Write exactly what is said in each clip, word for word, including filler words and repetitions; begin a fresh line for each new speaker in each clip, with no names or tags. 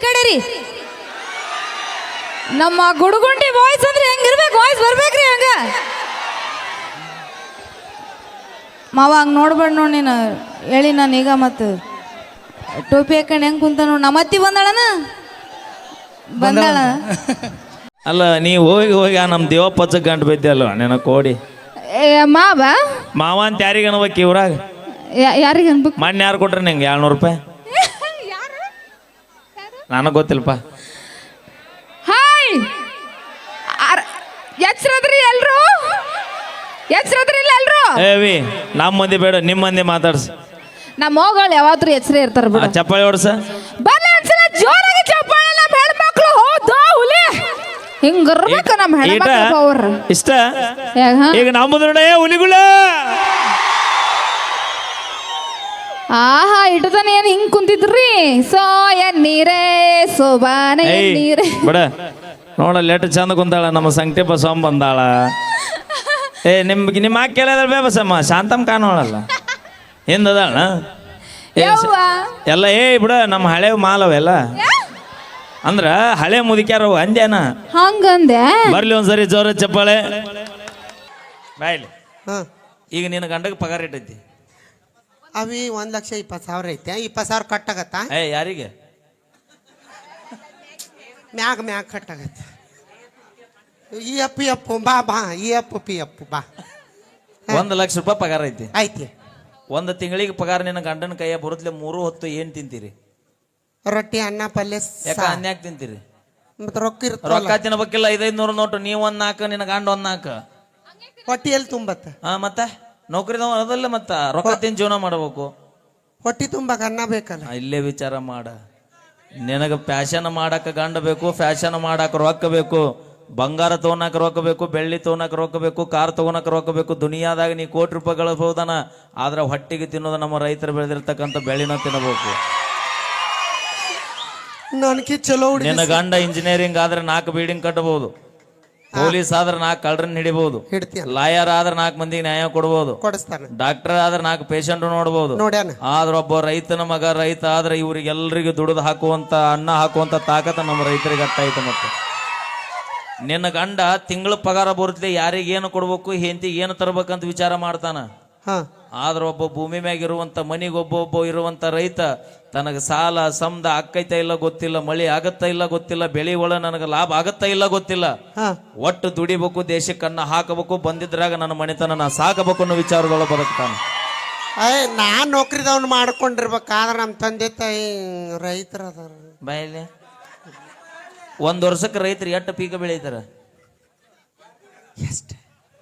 ಕಡೆ ರೀ. ನಮ್ಮ ಗುಡುಗುಂಡಿ ವಾಯ್ಸ್ ಅಂದ್ರೆ ಹೆಂಗಿರ್ಬೇಕು, ವಾಯ್ಸ್ ಬರ್ಬೇಕ್ರಿ ಹಂಗ. ಮಾವ ಹಂಗೆ ನೋಡ್ಬೇಡ ನೋಡಿ ನೀನು ಹೇಳಿ ನಾನು ಈಗ ಮತ್ತು ಟೋಪಿ ಹಾಕೊಂಡು ಹೆಂಗೆ ಕುಂತ ನೋಡಿ. ನಮ್ಮ ಅತ್ತಿ ಬಂದಾಳನ ಬಂದಾಳ.
ಅಲ್ಲ ನೀ ಹೋಗಿ ಹೋಗಿ ಆ ನಮ್ಮ ದೇವಪ್ಪಚ್ಚ ಗಂಟು ಬಿದ್ದೆ ಅಲ್ವ ನೆನ ಕೋಡಿ
ಮಾವ
ಮಾವ ಅಂತ ಯಾರಿಗೆ ಅನ್ಬೇಕು ಇವ್ರಾಗ?
ಯಾರಿಗೆ ಅನ್ಬೇಕು?
ಮಣ್ಣು ಯಾರು ಕೊಟ್ರೆ ನಿಂಗೆ ಏಳ್ನೂರು ರೂಪಾಯಿ? ನನಗೆ ಗೊತ್ತಿಲ್ಲಪ್ಪ.
ಹಾಯ್ ಎಚ್ಚರದ್ರಿ ಎಲ್ರು, ಎಚ್ಚರದ್ರಿ ಇಲ್ಲ ಎಲ್ರು.
ಏವಿ ನಮ್ಮ ಮಂದಿ ಬೇಡ, ನಿಮ್ಮ ಮಂದಿ ಮಾತಾಡ್ಸ.
ನಮ್ಮ ಹೋಗಳು ಯಾವಾದ್ರು ಎಚ್ಚರ ಇರ್ತಾರ ಬಿಡ.
ಚಪ್ಪಾಳಿ ಹೊಡ್ಸ
ಬಲ್ಲ ಒಂದ್ಸಲ ಜೋರಾಗಿ ಚಪ್ಪಾಳೆ. ನಮ್ಮ ಹೆಣ್ಮಕ್ಳು ಹೌದಾ ಹುಲಿ ಹಿಂಗಿರ್ಬೇಕು ನಮ್ಮ ಹೆಣ್ಮಕ್ಳು ಅವ್ರ
ಇಷ್ಟ. ಈಗ ನಮ್ಮದು ಹುಲಿಗಳ
ಆಹಾ ಇಟ್ಟತಾನೆ ಏನ್ ಹಿಂಗ್ ಕುಂತಿದ್ರಿ. ಸೋ ಎನ್ ನೀರೇ ಸೋಬಾನೆ ನೀರೇ
ಬಿಡ ನೋಡ ಲೆಟ್ ಚಂದ ಕುಂತಾಳ ನಮ್ಮ ಸಂಕಟಿ ಬಸವಮ್ಮ ಬಂದಾಳ. ಏ ನಿಮ್ಗೆ ನಿಮ್ಮ ಆಕೆ ಕೇಳಿದ್ರೆ ಬೇ ಬಸಮ್ಮ ಶಾಂತಮ್ ಕಾಣೋಳಲ್ಲ ಹಿಂದದಾಳ ಎಲ್ಲ. ಏ ಬಿಡ ನಮ್ಮ ಹಳೆ ಮಾಲವೆಲ್ಲ ಅಂದ್ರ ಹಳೆ ಮುದುಕ್ಯಾರವು ಅಂದ್ಯಾನ
ಹಂಗಂದೆ.
ಬರ್ಲಿ ಒಂದ್ಸರಿ ಜೋರ ಚಪ್ಪಾಳೆ ಬಾಯ್ಲಿ. ಈಗ ನಿನ್ನ ಗಂಡಗೆ ಪಗಾರ ಇಟ್ಟೈತಿ
ಅವಿ ಒಂದ್ ಲಕ್ಷ ಇಪ್ಪತ್ತು ಸಾವಿರ ಐತೆ. ಇಪ್ಪತ್ತು ಸಾವಿರ ಕಟ್ಟಾಗತ್ತಾ?
ಏ ಯಾರಿಗೆ?
ಮ್ಯಾಗ ಮ್ಯಾಗ ಕಟ್ಟಾಗತ್ತೆ. ಈ ಅಪ್ಪು ಅಪ್ಪು ಬಾ ಬಾ ಈ ಅಪ್ಪು ಪಿ ಅಪ್ಪು ಬಾ.
ಒಂದು ಲಕ್ಷ ರೂಪಾಯಿ ಪಗಾರ ಐತಿ
ಐತಿ.
ಒಂದು ತಿಂಗಳಿಗೆ ಪಗಾರ ನಿನ್ನ ಗಂಡನ ಕೈಯ ಬರುತ್ತಲೆ ಮೂರು ಹೊತ್ತು ಏನ್ ತಿಂತೀರಿ?
ರೊಟ್ಟಿ ಅನ್ನ ಪಲ್ಯ.
ಯಾಕ ಅನ್ಯಾಕ್ ತಿಂತೀರಿ?
ಮತ್ತೆ ರೊಕ್ಕ ಇರ್ತ
ರೊಕ್ಕ ತಿನ್ಬೇಕಿಲ್ಲ. ಐದೈದು ನೂರು ನೋಟು ನೀವ್ ಒಂದ್ ನಾಲ್ಕು ನಿನ್ನ ಗಂಡ ಒಂದ್ ನಾಲ್ಕು
ಹೊಟ್ಟಿ ಎಲ್ಲಿ ತುಂಬತ್ತ?
ಹಾ ಮತ್ತೆ ನೌಕರಿದವ ಅದಲ್ಲ ಮತ್ತ ರೊಕ್ಕ ತಿನ್ ಜೀವನ ಮಾಡಬೇಕು.
ಹೊಟ್ಟಿ ತುಂಬಾಕ ಅನ್ನ ಬೇಕಲ್ಲ.
ಇಲ್ಲೇ ವಿಚಾರ ಮಾಡ. ನಿನಗ ಫ್ಯಾಷನ್ ಮಾಡಾಕ ಗಂಡ ಬೇಕು, ಫ್ಯಾಷನ್ ಮಾಡಾಕ ರೊಕ್ಕ ಬೇಕು. ಬಂಗಾರ ತಗೋನಾಕ ರೊಕ್ಕ ಬೇಕು, ಬೆಳ್ಳಿ ತಗೋನಾಕ ರೊಕ್ಕ ಬೇಕು, ಕಾರ್ ತಗೋನಾಕ ರೊಕ್ಕ ಬೇಕು. ದುನಿಯಾದಾಗ ನೀ ಕೋಟಿ ರೂಪಾಯಿ ಗಳಿಸಬಹುದನ, ಆದ್ರೆ ಹೊಟ್ಟಿಗೆ ತಿನ್ನೋದು ನಮ್ಮ ರೈತರು ಬೆಳೆದಿರ್ತಕ್ಕಂಥ ಬೆಳಿನ ತಿನ್ನಬೇಕು.
ನನಗೆ ಚಲೋ.
ನಿನ್ನ ಗಂಡ ಇಂಜಿನಿಯರಿಂಗ್ ಆದ್ರೆ ನಾಲ್ಕು ಬಿಲ್ಡಿಂಗ್ ಕಟ್ಟಬಹುದು, ಪೊಲೀಸ್ ಆದ್ರೆ ನಾಲ್ಕು ಕಳ್ಳರನ್ನ ಹಿಡಿಬಹುದು, ಲಾಯರ್ ಆದ್ರೆ ನಾಲ್ಕು ಮಂದಿಗೆ ನ್ಯಾಯ ಕೊಡಬಹುದು, ಡಾಕ್ಟರ್ ಆದ್ರೆ ನಾಲ್ಕು ಪೇಷಂಟ್ ನೋಡಬಹುದು. ಆದ್ರೆ ಒಬ್ಬ ರೈತನ ಮಗ ರೈತ ಆದ್ರೆ ಇವ್ರಿಗೆಲ್ಲರಿಗೂ ದುಡಿದು ಹಾಕುವಂತ ಅನ್ನ ಹಾಕುವಂತ ತಾಕತ್ತ ನಮ್ಮ ರೈತರಿಗೆ ಅಟ್ಟಾಯ್ತು. ಮತ್ತೆ ನಿನ್ನ ಗಂಡ ತಿಂಗಳ ಪಗಾರ ಬರುತ್ತೆ, ಯಾರಿಗೆ ಏನು ಕೊಡ್ಬೇಕು, ಹೆಂಡತಿಗೆ ಏನು ತರ್ಬೇಕಂತ ವಿಚಾರ ಮಾಡ್ತಾನ. ಆದ್ರೆ ಒಬ್ಬ ಭೂಮಿ ಮ್ಯಾಗ ಇರುವಂತ ಮನಿಗೆ ಒಬ್ಬೊಬ್ಬ ಇರುವಂತ ರೈತ ತನಗ ಸಾಲ ಸಮದ ಆಕ್ಕೈತ ಇಲ್ಲ ಗೊತ್ತಿಲ್ಲ, ಮಳಿ ಆಗತ್ತ ಇಲ್ಲ ಗೊತ್ತಿಲ್ಲ, ಬೆಳಿ ಒಳ ನನಗ ಲಾಭ ಆಗತ್ತ ಇಲ್ಲ ಗೊತ್ತಿಲ್ಲ, ಒಟ್ಟು ದುಡಿಬೇಕು, ದೇಶಕ್ಕೆ ಅನ್ನ ಹಾಕಬೇಕು, ಬಂದಿದ್ರಾಗ ನನ್ನ ಮನೆತನ ನಾ ಸಾಕಬೇಕು ಅನ್ನೋ ವಿಚಾರದೊಳಗೆ ಬದುಕ್ತಾನೆ.
ಅಯ್ಯ ನಾನ್ ನೌಕರಿದವ್ನು ಮಾಡ್ಕೊಂಡಿರ್ಬೇಕಾದ್ರೆ ನಮ್ಮ ತಂದೆ ತಾಯಿ ರೈತರ ಅದಾರ.
ಬಾಯಲ್ಲಿ ಒಂದ್ ವರ್ಷಕ್ಕೆ ರೈತರು ಎಷ್ಟು ಪೀಕ ಬೆಳೀತಾರ?
ಎಷ್ಟು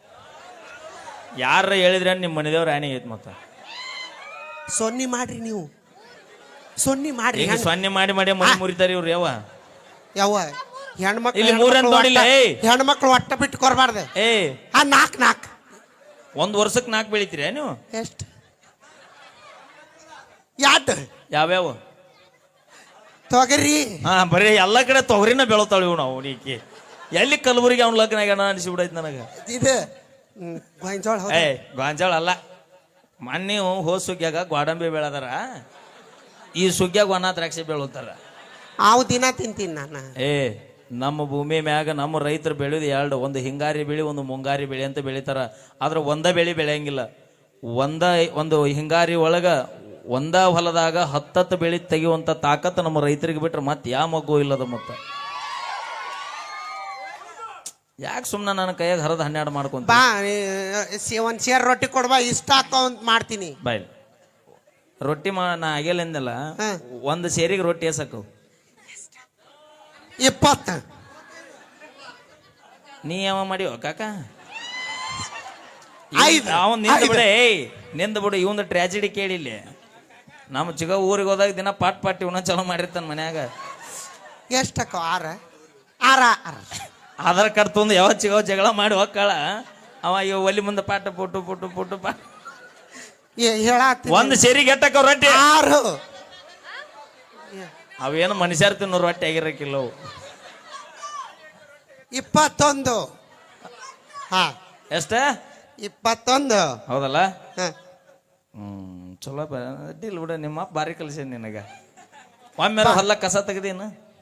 ಯಾರ ಹೇಳಿದ್ರೆ ನಿಮ್ಮ ಮನೆದೇವ್ರ ಆನೆ ಐತ್. ಮತ್ತ
ಸೊನ್ನಿ ಮಾಡ್ರಿ ನೀವು, ಸೊನ್ನಿ ಮಾಡ್ರಿ.
ಸೊನ್ನೆ ಮಾಡಿ ಮಾಡಿ ಮನೆ ಮುರಿತಾರ ಇವ್ರು. ಯಾವ
ಯಾವ ಹೆಣ್ಮಕ್ಳು
ಇಲ್ಲಿ ಮೂರನ್ ನೋಡಿಲ್ಲ.
ಹೆಣ್ಮಕ್ಳು ಒಟ್ಟ ಬಿಟ್ಟು ಕೊರಬಾರ್ದೆ.
ಏ
ಆ ನಾಕ್ ನಾಕ್
ಒಂದ್ ವರ್ಷಕ್ಕೆ ನಾಲ್ಕು ಬೆಳಿತೀರ ನೀವು?
ಎಷ್ಟು ಯಾಟ್
ಯಾವ್ಯಾವ?
ತೊಗರಿ.
ಹಾ ಬರೀ ಎಲ್ಲ ಕಡೆ ತೊಗರಿನ ಬೆಳತಾಳ ಇವ್. ನಾವು ನೀಕಿ ಎಲ್ಲಿ ಕಲಬುರಗಿ ಅವ್ನ ಲಗ್ನ ಆಗ್ಯಾನ ಅನಿಸ್ಬಿಡೈತಿ ನನಗೆ.
ಇದು ಗೊಂಜಾಳ.
ಏ ಗೊಂಜಾಳ ಅಲ್ಲ, ಮೊನ್ನೆ ಹೋದ್ ಸುಗ್ಗ್ಯಾಗ ಗೋಡಂಬಿ ಬೆಳೆದಾರ, ಈ ಸುಗ್ಗ್ಯಾಗ ಒಣ ದ್ರಾಕ್ಷಿ ಬೆಳತಾರ.
ಅವು ದಿನ ತಿಂತೀನಿ ನಾನು.
ಏ ನಮ್ಮ ಭೂಮಿ ಮ್ಯಾಗ ನಮ್ಮ ರೈತರು ಬೆಳೆಯೋದು ಎರಡು, ಒಂದು ಹಿಂಗಾರಿ ಬೆಳೆ, ಒಂದು ಮುಂಗಾರಿ ಬೆಳೆ ಅಂತ ಬೆಳಿತಾರ. ಆದ್ರೆ ಒಂದ ಬೆಳೆ ಬೆಳೆಯಂಗಿಲ್ಲ. ಒಂದ ಒಂದು ಹಿಂಗಾರಿ ಒಳಗ ಒಂದ ಹೊಲದಾಗ ಹತ್ತತ್ತು ಬೆಳೆ ತೆಗೆಯುವಂತ ತಾಕತ್ತು ನಮ್ಮ ರೈತರಿಗೆ ಬಿಟ್ರೆ ಮತ್ತೆ ಯಾವ ಮಗು ಇಲ್ಲದ. ಮತ್ತೆ ಯಾಕೆ ಸುಮ್ಮನೆ ನನ್ನ ಕೈಯಾಗ ಹರದ ಹನ್ನೆರಡು ಮಾಡ್ಕೊಂತ
ಬಾ ಒಂದ್ ಸೇರ್ ರೊಟ್ಟಿ ಕೊಡ್ಬಾ, ಇಷ್ಟ ಹಾಕೋ ಮಾಡ್ತೀನಿ.
ಬಾಯ್ ರೊಟ್ಟಿ ಮಾ ನಾ ಆಗಿಲ್ಲ. ಒಂದು ಸೇರಿಗೆ ರೊಟ್ಟಿ ಎಸಕು
ಇಪ್ಪತ್ತ.
ನೀ ಯಾವ ಮಾಡಿವ ಕಾಕ? ಅವನ್ ನಿಂದ ಬಿಡ. ಏಯ್ ನಿಂದ ಬಿಡು. ಇವಂದು ಟ್ರ್ಯಾಜಿಡಿ ಕೇಳಿಲ್ಲ. ನಮ್ಮ ಚಿಗ ಊರಿಗೆ ಹೋದಾಗ ದಿನ ಪಾಟ್ ಪಾಟಿ ಉಣ ಚಲೋ ಮಾಡಿರ್ತಾನ ಮನ್ಯಾಗ.
ಎಷ್ಟಕ್ಕ? ಆರ ಆರ
ಆಧಾರ್ ಕಾರ್ಡ್ ತೊಂದು ಯಾವ ಚಿಗವ ಜಗಳ ಮಾಡಿ ಹೋಗ್ಕಳ ಅವ ಇವ ಒಲಿ ಮುಂದೆ ಪಾಟ ಪುಟ್ಟು ಪುಟ್ಟು ಪುಟ್ಟು ಪಾಟ
ಹೇಳ.
ಒಂದು ಸೇರಿಗೆ ಎಟ್ಟಕ್ಕ ರೊಟ್ಟಿ?
ಆರು.
ಅವೇನು ಮನುಷ್ಯರ್ ತಿನ್ನೋ ರೊಟ್ಟಿ ಆಗಿರಕ್ಕಿಲ್ಲ.
ಇಪ್ಪತ್ತೊಂದು. ಹಾ
ಎಷ್ಟ?
ಇಪ್ಪತ್ತೊಂದು.
ಹೌದಲ್ಲ? ಹ್ಮ್ ಚಲೋ ಅಡ್ಡಿಲ್ಲ ಬಿಡ. ನಿಮ್ಮ ಬಾರಿ ಕಲಿಸ ನಿನಗ. ಒಮ್ಮೆ ಹೊಲ್ಲ ಕಸ ತೆಗ್ದೇನು?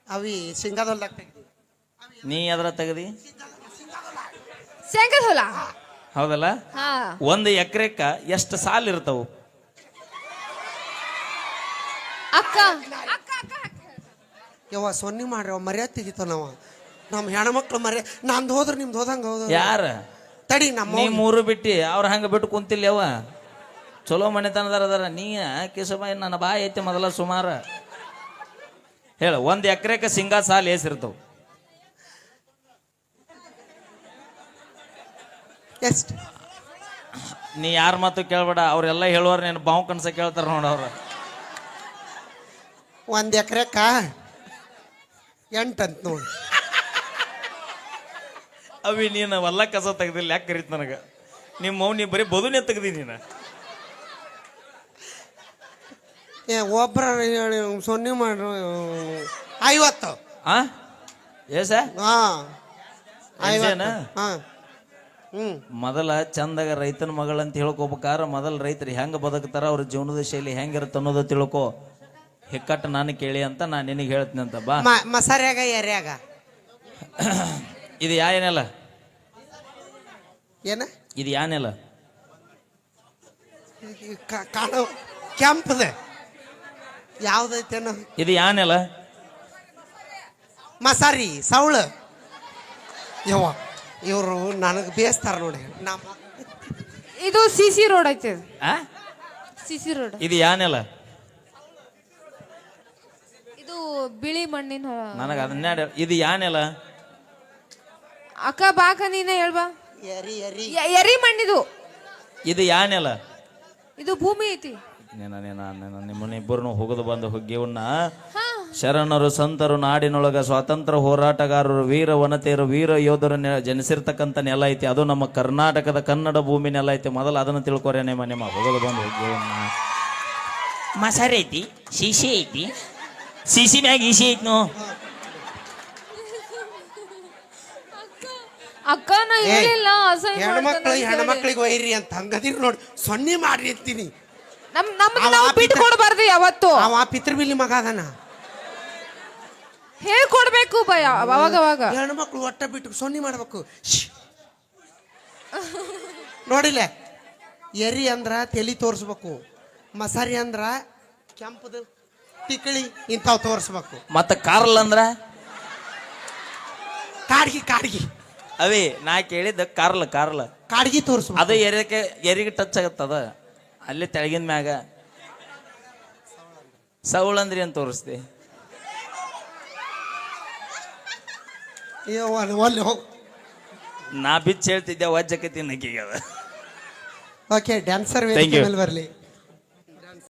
ಅವಿ ಸಿಂಗಾದೊಲ್ದಾಗ ತೆಗ್ದಿ.
ನೀ ಎದ್ರ ತೆಗದಿ
ಶೇಂಗದ ಹೊಲ.
ಹೌದಲ್ಲ?
ಹಾ
ಒಂದು ಎಕರೆಕ್ಕ ಎಷ್ಟು ಸಾಲ್ ಇರ್ತಾವು?
ಅಕ್ಕ ಅಕ್ಕ ಅಕ್ಕ
ಯವ್ವ ಸೊನ್ನಿ ಮಾಡ್ರಿ ಮರ್ಯಾದ ತೆಗಿತಾವ ನಾವ ನಮ್ಮ ಹೆಣ್ಮಕ್ಳು ಮರ್ಯ ನಂದು ಹೋದ್ರೆ ನಿಮ್ದು ಹೋದಂಗ ಹೌದು.
ಯಾರ
ತಡಿ ನಮ್ಮ
ನೀ ಮೂರು ಬಿಟ್ಟಿ ಅವ್ರ ಹಂಗ ಬಿಟ್ಟು ಕುಂತಿಲ್ಲ ಯವ್ವ. ಚಲೋ ಮನೆತನದಾರ ಅದಾರ. ನೀ ಕಿಸಬಾಯಿ ನನ್ನ ಬಾಯಿ ಐತಿ ಮೊದಲ ಸುಮಾರ. ಹೇಳ, ಒಂದ್ ಎಕರೆಕ ಸಿಂಗಾ ಸಾಲ್ ಏಸಿರ್ತಾವ?
ಎಷ್ಟು?
ನೀ ಯಾರ ಮಾತು ಕೇಳ್ಬೇಡ, ಅವ್ರೆಲ್ಲ ಹೇಳುವಾರ ನೀನು ಬಾವು ಕನ್ಸ ಕೇಳ್ತಾರ ನೋಡ ಅವ್ರ.
ಒಂದ್ ಎಕರೆಕ ಎಂಟಂತ ನೋಡಿ.
ಅವಿ ನೀನು ಹೊಲ್ಲ ಕಸ ತೆಗ್ದಿಲ್ಲ ಯಾಕೆ ಕರೀತ ನನಗ? ನಿಮ್ಮ ಮೌ ನೀ ಬರೀ ಬದುನೆ ತೆಗ್ದಿ ನೀನು.
ಏ ಒಬ್ರ ಸೊನ್ನೆ ಮಾಡ್ರು ಐವತ್ತು.
ಆ ಏಸ
ಹಾ
ಐವತ್ತು?
ಹಾ ಹ್ಮ್
ಮೊದಲ ಚಂದಾಗ ರೈತನ ಮಗಳಂತ ಹೇಳ್ಕೊಬೇಕಾರ ಮೊದಲ ರೈತರು ಹೆಂಗ ಬದುಕ್ತಾರ, ಅವ್ರ ಜೀವನದ ಶೈಲಿ ಹೆಂಗಿರುತ್ತೆ ಅನ್ನೋದು ತಿಳ್ಕೊ. ಹಿಕ್ಕಟ್ಟು ನಾನು ಕೇಳಿ ಅಂತ ನಾನು ನಿನಗೆ ಹೇಳ್ತೀನಿ ಅಂತ ಬಾ.
ಮಸಾರ್ಯಾಗ ಎರ್ಯಾಗ
ಇದು ಯಾನೆಲ್ಲ?
ಏನ
ಇದು ಯಾನೆಲ್ಲ?
ಕಾಣೋ ಕೆಂಪದ ಯಾವ್ದೈತೇನೋ.
ಇದು ಯಾನೆಲ್ಲ?
ಮಸಾರಿ ಸೌಳ. ಯವ್ವ ಇವರು ನನಗೆ ಬೇಸ್ತಾರ ನೋಡಿ. ನಮ್ಮ
ಇದು ಸಿ ಸಿ ರೋಡ್ ಐತೆ.
ಆ
ಸಿ ಸಿ ರೋಡ್.
ಇದು ಯಾನೆಲ್ಲ?
ಇದು ಬಿಳಿ ಮಣ್ಣಿನ ಹೊಲ.
ನನಗೆ ಅದನ್ನೇ ಇದು ಯಾನೆಲ್ಲ?
ಅಕ್ಕ ಬಾಕ ನೀನೇ ಹೇಳ್ಬಾ.
ಎರಿ ಎರಿ
ಯ- ಎರಿ ಮಣ್ಣಿದು.
ಇದು ಯಾನೆಲ್ಲ?
ಇದು ಭೂಮಿ ಐತಿ.
ನೀನ ನೀನ ನಿಮ್ಮನ್ನಿಬ್ಬರನ್ನು ಹೋಗದು ಬಂದು ಹುಗ್ಗಿವನ್ನ
ಹಾ
ಶರಣರು ಸಂತರು ನಾಡಿನೊಳಗ ಸ್ವಾತಂತ್ರ್ಯ ಹೋರಾಟಗಾರರು ವೀರ ವನತೆಯರು ವೀರ ಯೋಧರು ನೆ- ಜನಿಸಿರ್ತಕ್ಕಂಥ ನೆಲ ಐತಿ. ಅದು ನಮ್ಮ ಕರ್ನಾಟಕದ ಕನ್ನಡ ಭೂಮಿ ನೆಲ ಐತಿ. ಮೊದಲು ಅದನ್ನು ತಿಳ್ಕೊರೆ ನಿಮ್ಮ ನಿಮ್ಮ ಹೋಗದು ಬಂದು ಹುಗ್ಗಿವನ್ನ. ಮಸಾರಿ ಐತಿ, ಶಿಶಿ ಐತಿ, ಶಿಶಿ ಮ್ಯಾಗ ಈಸಿ ಐತಿ ನೋ.
ಅಕ್ಕ ನಾ ಹೇಳಿಲ್ಲ ಅಸಹ್ಯ
ಹೆಣ್ಮಕ್ಳು
ಮಾಡ್ತಾನೆ ಅಂತ ಹೇಳಿ.
ಹೆಣ್ಮಕ್ಳಿಗೆ ಒಯ್ರಿ ಅಂತ ಹಂಗದಿರ್ ನೋಡಿ. ಸೊನ್ನೆ ಮಾಡ್ರಿ ಅಂತೀನಿ.
ನಮ್ ನಮ್ದು
ಅವ
ನಾವು
ಪಿತ-
ಬಿಟ್ಟು ಕೊಡಬಾರ್ದು ಯಾವತ್ತು.
ಅವ ಪಿತೃಬಿಲಿ ಮಗ ಅದಾನ.
ಹೇಳ್ಕೊಡ್ಬೇಕು ಭಯ ಅವಾಗ ಅವಾಗ.
ಹೆಣ್ಮಕ್ಳು ಒಟ್ಟ ಬಿಟ್ಟು ಸೊನ್ನೆ ಮಾಡ್ಬೇಕು. ಶ್ಶ್. ನೋಡಿಲ್ಲ, ಎರಿ ಅಂದ್ರ ತಲಿ ತೋರಿಸ್ಬೇಕು, ಮಸಾರಿ ಅಂದ್ರ ಕೆಂಪದ ತಿಕ್ಕಳಿ ಇಂಥವು ತೋರಿಸ್ಬೇಕು.
ಮತ್ತ ಕಾರ್ಲ್ ಅಂದ್ರ
ಕಾಡ್ಗಿ ಕಾಡ್ಗಿ
ಅವೇ ನಾ ಕೇಳಿದ್ದ ಕಾರ್ಲ್ ಕಾರ್ಲ್
ಕಾಡ್ಗಿ ತೋರಿಸ್ಬೇಕು.
ಅದು ಎರಿಗೆ ಎರಿಗೆ ಟಚ್ ಆಗತ್ತದ ಅಲ್ಲಿ ತೆಳಗಿನ ಮ್ಯಾಗ. ಸೌಳ್ ಅಂದ್ರಿ ಅಂತ ತೋರಿಸ್ದೆ.
ಒಲ್ಲೆ ಹೋಗ್.
ನಾ ಬಿಚ್ಚ ಹೇಳ್ತಿದ್ದೆ ವಜ್ಜಕತಿ ನಕ್ಕಿಗೆ ಅದ.
Okay dancer
Thank you.
ಮೇಲೆ ಬರಲಿ.